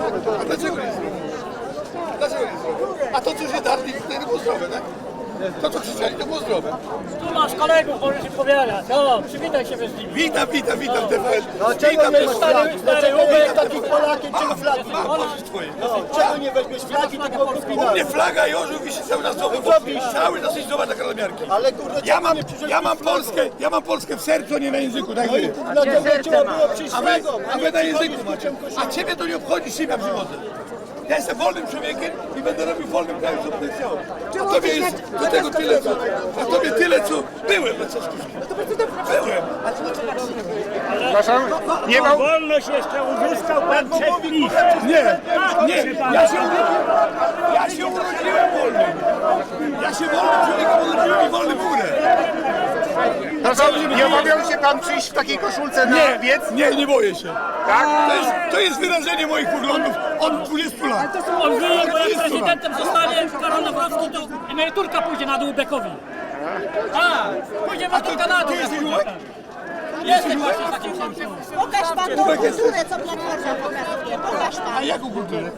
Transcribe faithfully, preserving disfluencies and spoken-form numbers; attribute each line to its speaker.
Speaker 1: A dlaczego nie zrobił? Dlaczego nie zrobił? A to, co się darli, to nie było zdrowe, tak? To, co krzyczeli, to było zdrowe.
Speaker 2: Tu masz kolegów, możesz im powiadać. O, przywitaj się z nimi.
Speaker 1: Witam, witam, witam, T V N.
Speaker 3: No czego nie weźmiesz flagi? Dlaczego nie jest takich Polakiem, czego flagi?
Speaker 1: Mam pożyć twoje.
Speaker 3: Czego nie weźmiesz flagi, tylko
Speaker 1: U
Speaker 3: kryminalne?
Speaker 1: mnie flaga i orzeł wisi cały czas znowu. Cały czas iść zobacz na kalamiarki.
Speaker 3: Ale kurde,
Speaker 1: Ja
Speaker 3: czemu
Speaker 1: mam,
Speaker 3: nie przyszedłeś
Speaker 1: ja mam
Speaker 3: z flagą?
Speaker 1: Polskę, ja mam Polskę w sercu, a nie na języku, tak
Speaker 3: No i
Speaker 1: wy.
Speaker 3: dlatego trzeba było przyjść z
Speaker 1: A wy,
Speaker 3: flagą,
Speaker 1: a
Speaker 3: nie
Speaker 1: wy na
Speaker 3: przychodzić
Speaker 1: języku
Speaker 3: z
Speaker 1: macie.
Speaker 3: niczym
Speaker 1: A ciebie to nie obchodzi, z czym ja przychodzę. Ja jestem wolnym człowiekiem i będę robił w wolnym kraju, co będę chciał. A tobie jest do tego tyle, co... A tobie tyle, co... Byłem na Czeskówskim. Byłem.
Speaker 4: Przepraszam, nie ma...
Speaker 2: Wolność jeszcze uzyskał pan przed PiS.
Speaker 1: Nie, nie, ja się, ja się urodziłem wolnym. Ja się wolnym człowiekiem urodziłem i wolnym umrę.
Speaker 4: Przepraszam, nie obawiał się pan przyjść w takiej koszulce na
Speaker 1: Nie,
Speaker 4: wiec?
Speaker 1: nie, nie boję się.
Speaker 4: Tak?
Speaker 1: To jest, to jest wyrażenie moich poglądów od dwudziestu lat.
Speaker 2: On wie, bo jak prezydentem zostanie Karol Nawrocki, to emeryturka pójdzie na dół Bekowi. A, pójdziemy do Kanady.
Speaker 1: Ty jesteś ułek?
Speaker 2: Jesteś właśnie takim księciem.
Speaker 5: Pokaż pan tą kulturę, co Platforma pokazuje. Pokaż pan.
Speaker 1: A jaką kulturę?